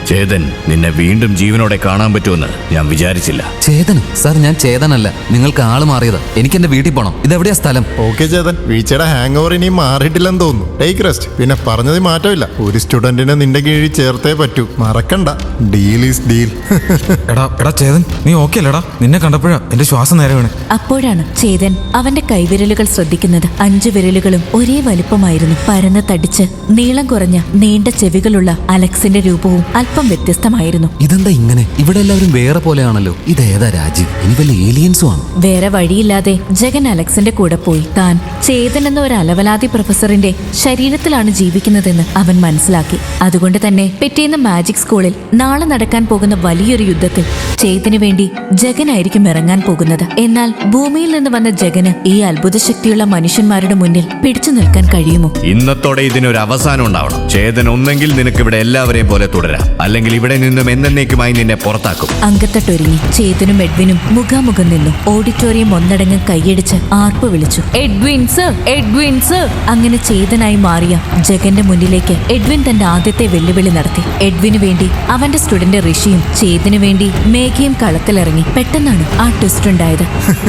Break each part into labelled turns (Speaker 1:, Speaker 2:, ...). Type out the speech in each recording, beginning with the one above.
Speaker 1: ചേതൻ, നിന്നെ വീണ്ടും ജീവനോടെ കാണാൻ പറ്റുമെന്ന് ഞാൻ വിചാരിച്ചില്ല.
Speaker 2: ചേതൻ സാർ, ഞാൻ ചേതനല്ല. നിങ്ങൾക്ക് ആള് മാറിയതാ. എനിക്ക് എന്റെ വീട്ടിൽ പോണം. ഇതെവിടെയാ സ്ഥലം?
Speaker 3: ഓക്കെ ചേതൻ, വീഴ്ചയുടെ ഹാങ് ഓവർ ഇനിയും മാറിയിട്ടില്ലെന്ന് തോന്നുന്നു. Take rest. പിന്നെ പറഞ്ഞത് മാറ്റമില്ല, ഒരു സ്റ്റുഡന്റിനെ നിന്റെ കീഴിൽ ചേർത്തേ പറ്റൂ. മറക്കണ്ട, ഡീൽ ഈസ് ഡീൽ.
Speaker 4: എടാ ചേതൻ, നീ ഓക്കെ അല്ലടാ? നിന്നെ കണ്ടപ്പോഴാ എന്റെ ശ്വാസം നേരെ വീണ്.
Speaker 5: അപ്പോഴാണ് ചേതൻ അവന്റെ കൈവിരലുകൾ ശ്രദ്ധിക്കുന്നത്. 5 വിരലുകളും ഒരേ വലുപ്പമായിരുന്നു. പരന്ന് തടിച്ച് നീളം കുറഞ്ഞ നീണ്ട ചെവികളുള്ള അലക്സിന്റെ രൂപവും അല്പം വ്യത്യസ്തമായിരുന്നു.
Speaker 2: ഇതെന്താ ഇങ്ങനെ? ഇവിടെ എല്ലാവരും വേറെ പോലെയാണല്ലോ. ഇതേതാ രാജ്യം? ഇനി വല്ല ഏലിയൻസും ആണ്.
Speaker 5: വേറെ വഴിയില്ലാതെ ജഗൻ അലക്സിന്റെ കൂടെ പോയി. താൻ ചേതൻ എന്ന ഒരു അലവലാതി പ്രൊഫസറിന്റെ ശരീരത്തിലാണ് ജീവിക്കുന്നതെന്ന് അവൻ മനസ്സിലാക്കി. അതുകൊണ്ട് തന്നെ പിറ്റേന്ന് മാജിക് സ്കൂളിൽ നാളെ നടക്കാൻ പോകുന്ന വലിയൊരു യുദ്ധത്തിൽ ചേതന് വേണ്ടി ജഗനായിരിക്കും ഇറങ്ങാൻ പോകുന്നത്. എന്നാൽ ഭൂമിയിൽ നിന്ന് വന്ന ജഗന് ഈ അത്ഭുത ശക്തിയുള്ള മനുഷ്യന്മാരുടെ മുന്നിൽ പിടിച്ചു നിൽക്കാൻ കഴിയുമോ?
Speaker 1: ഇന്നത്തോടെ ഇതിനൊരു അവസാനം ഉണ്ടാവണം. ചേതൻ, ഒന്നെങ്കിൽ നിനക്ക് ഇവിടെ എല്ലാവരെയും പോലെ തുടരാം, അല്ലെങ്കിൽ ഇവിടെ നിന്നും എന്നേക്കുമായി നിന്നെ പുറത്താക്കും.
Speaker 5: അങ്കത്തട്ടൊരുങ്ങി ചേതനും എഡ്വിനും മുഖാമുഖം നിന്നു. ഓഡിറ്റോറിയം ഒന്നടങ്കം കൈയടിച്ച് ആർപ്പ് വിളിച്ചു, എഡ്വിൻ സർ, എഡ്വിൻ സർ. അങ്ങനെ ചേതനായി മാറിയ ജഗന്റെ മുന്നിലേക്ക് എഡ്വിൻ തന്റെ ആദ്യത്തെ വെല്ലുവിളി നടത്തി. എഡ്വിന് വേണ്ടി അവന്റെ സ്റ്റുഡന്റ് ഋഷിയും ചേതന് വേണ്ടി മേഘയും കളത്തിലിറങ്ങി. പെട്ടെന്നാണ് ആ ട്വിസ്റ്റ് ഉണ്ടായത്.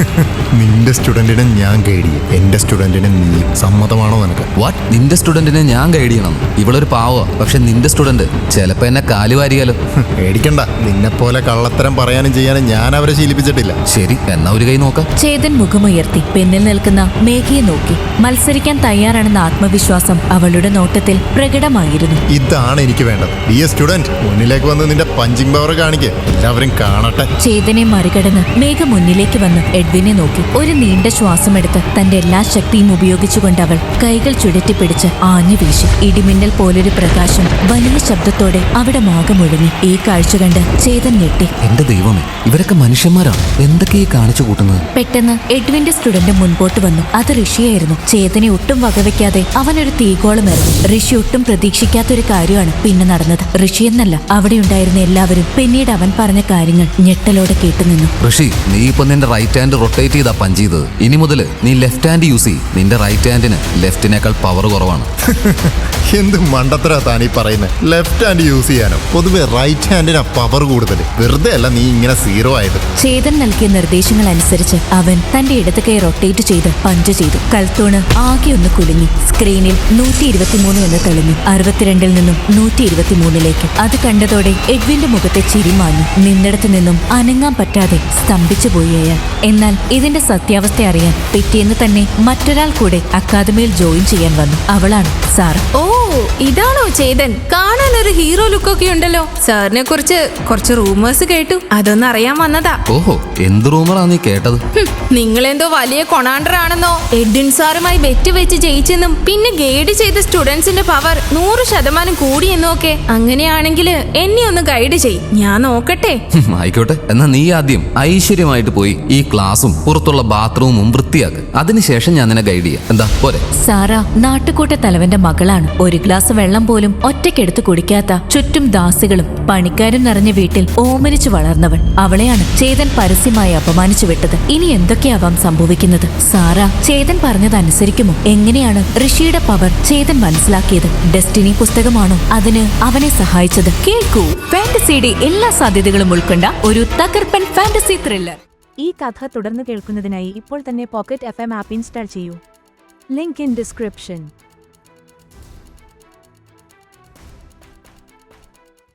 Speaker 3: നിന്റെ സ്റ്റുഡന്റിനെ ഞാൻ ഗൈഡ് ചെയ്യും, എന്റെ സ്റ്റുഡന്റിനെ നീ. സമ്മതമാണോ നിനക്ക്?
Speaker 2: വാട്ട്? നിന്റെ സ്റ്റുഡന്റിനെ ഞാൻ ഗൈഡ് ചെയ്യണം? ഇവളൊരു പാവോ, പക്ഷെ നിന്റെ സ്റ്റുഡന്റ് ചിലപ്പോ എന്നെ കാലുവാരിയാലോ.
Speaker 3: പേടിക്കണ്ട, നിന്നെ പോലെ കള്ളത്തരം പറയാനും ചെയ്യാനും ഞാൻ അവരെ ശീലിപ്പിച്ചിട്ടില്ല.
Speaker 2: ശരി, എന്നാ ഒരു കൈ നോക്കാം.
Speaker 5: ചേതൻ മുഖമുയർത്തി പിന്നിൽ നിൽക്കുന്ന മേഘയെ നോക്കി. മത്സരിക്കാൻ തയ്യാറാണെന്ന ആത്മവിശ്വാസം അവളുടെ നോട്ടത്തിൽ പ്രകടമായിരുന്നു.
Speaker 3: ഇതാണ് എനിക്ക് വേണ്ടത്. ഈ സ്റ്റുഡന്റ്, മുന്നിലേക്ക് വന്ന് നിന്റെ പഞ്ചിങ് പവർ കാണിക്ക്, എല്ലാവരും കാണട്ടെ.
Speaker 5: ചേതനെ മറികടന്ന് മേഘ മുന്നിലേക്ക് വന്ന് എഡ്വിനെ നോക്കി. ഒരു നീണ്ട ശ്വാസമെടുത്ത് തന്റെ എല്ലാ ശക്തിയും ഉപയോഗിച്ചുകൊണ്ട് അവൾ കൈകൾ ചുഴറ്റിപ്പിടിച്ച് ആഞ്ഞു വീശി. ഇടിമിന്നൽ പോലൊരു പ്രകാശം വലിയ ശബ്ദത്തോടെ അവിടെ മാകമൊഴുങ്ങി. ഈ കാഴ്ച കണ്ട് ചേതൻ ഞെട്ടി.
Speaker 2: എന്റെ ദൈവമേ, ഇവരൊക്കെ മനുഷ്യന്മാരാണ്. എന്തൊക്കെയാ കാണിച്ചു കൂട്ടുന്നത്?
Speaker 5: പെട്ടെന്ന് എഡ്വിന്റെ സ്റ്റുഡന്റ് മുൻപോട്ട് വന്നു. അത് ഋഷിയായിരുന്നു. ചേതനെ ഒട്ടും വകവെക്കാതെ അവനൊരു തീകോളം എറിഞ്ഞു. ഋഷി ഒട്ടും പ്രതീക്ഷിക്കാത്തൊരു കാര്യമാണ് പിന്നെ നടന്നത്. ഋഷി എന്നല്ല, അവിടെ ഉണ്ടായിരുന്ന എല്ലാവരും പിന്നീട് അവൻ പറഞ്ഞ കാര്യങ്ങൾ ഞെട്ടലോടെ കേട്ടുനിന്നു.
Speaker 2: ഋഷി, നീ ഇപ്പൊ നിന്റെ റൈറ്റ് ഹാൻഡ് റൊട്ടേറ്റ് ചെയ്താ പഞ്ച് ചെയ്തത്. ഇനി മുതൽ നീ ലെഫ്റ്റ് ഹാൻഡ് യൂസ് ചെയ്യും. നിന്റെ റൈറ്റ് ഹാൻഡിന് ലെഫ്റ്റിനേക്കാൾ പവർ കുറവാണ്.
Speaker 3: എന്ത് മണ്ടത്തരാ താനീ പറയുന്നത്? ലെഫ്റ്റ് ഹാൻഡ് യൂസ് ചെയ്യാനോ? പൊതുവെ റൈറ്റ് ഹാൻഡിനാ പവർ കൂടുതൽ. വെറുതെ അല്ല നീ ഇങ്ങനെ സീറോ ആയത്.
Speaker 5: ചേതൻ നൽകിയ നിർദ്ദേശങ്ങൾ അനുസരിച്ച് അവൻ തന്റെ ഇടത് കൈ റൊട്ടേറ്റ് ചെയ്ത് പഞ്ച് ചെയ്തു. കൽത്തൂണ് ആകെ ഒന്ന് കുലുങ്ങി. സ്ക്രീനിൽ 123 എന്ന് തെളിഞ്ഞു. 62-ൽ നിന്നും 123-ലേക്ക്. അത് കണ്ടതോടെ എഡ്വിന്റെ മുഖത്തെ ചിരി മാഞ്ഞു. നിന്നിടത്തു നിന്നും അനങ്ങാൻ പറ്റാതെ സ്തംഭിച്ചു പോയി അയാൾ. എന്നാൽ ഇതിന്റെ സത്യാവസ്ഥ അറിയാൻ പിറ്റേന്ന് തന്നെ മറ്റൊരാൾ കൂടെ അക്കാദമിയിൽ ജോയിൻ ചെയ്യാൻ വന്നു. അവളാണ് സാറ.
Speaker 6: ഓ, ഇതാണോ ചേതൻ? കാണാൻ ഒരു ഹീറോ ലുക്കൊക്കെ ഉണ്ടല്ലോ. സാറിനെ കുറിച്ച് കുറച്ച് റൂമേഴ്സ് കേട്ടു, അതൊന്നും അറിയാൻ വന്നതാ.
Speaker 2: ഓഹോ, എന്ത് റൂമറാ നീ കേട്ടത്?
Speaker 6: നിങ്ങളെന്തോ വലിയ കൊണാണ്ടർ ആണെന്നോ, എഡ്വിൻ സാറുമായി ബെറ്റ് വെച്ച് ജയിച്ചെന്നും പിന്നെ ഗൈഡ് ചെയ്ത സ്റ്റുഡൻസിന്റെ പവർ 100% കൂടിയെന്നും ഒക്കെ. അങ്ങനെയാണെങ്കിൽ എന്നെ ഒന്ന് ഗൈഡ് ചെയ്, ഞാൻ നോക്കട്ടെ.
Speaker 2: ആയിക്കോട്ടെ, എന്നാ നീ ആദ്യം ഐശ്വര്യമായിട്ട് പോയി ഈ ക്ലാസും പുറത്തുള്ള ബാത്റൂമും വൃത്തിയാക്ക്. അതിനുശേഷം ഞാൻ നിന്നെ ഗൈഡ് ചെയ്യാം. എന്താ പോരെ?
Speaker 5: സാറ നാട്ടുകൂട്ട തലവന്റെ മകളാണ്. ഒരു ഗ്ലാസ് വെള്ളം പോലും ഒറ്റയ്ക്കെടുത്ത് കുടിക്കാത്ത, ചുറ്റും ദാസികളും പണിക്കാരും നിറഞ്ഞ വീട്ടിൽ ഓമനിച്ചു വളർന്നവൾ. അവളെയാണ് ചേതൻ പരസ്യമായി അപമാനിച്ചു വിട്ടത്. ഇനി എന്തൊക്കെയാവാം സംഭവിക്കുന്നത്? സാറ ചേതൻ പറഞ്ഞത് അനുസരിക്കുമോ? എങ്ങനെയാണ് ഋഷിയുടെ പവർ ചേതൻ മനസ്സിലാക്കിയത്? ഡെസ്റ്റിനി പുസ്തകമാണോ അതിന് അവനെ സഹായിച്ചത്? കേൾക്കൂ, ഫാന്റസിയുടെ എല്ലാ സാധ്യതകളും ഉൾക്കൊണ്ട ഒരു തകർപ്പൻ ഫാന്റസി ത്രില്ലർ.
Speaker 7: ഈ കഥ തുടർന്ന് കേൾക്കുന്നതിനായി ഇപ്പോൾ തന്നെ പോക്കറ്റ് FM ആപ്പ് ഇൻസ്റ്റാൾ ചെയ്യൂ. Link in description.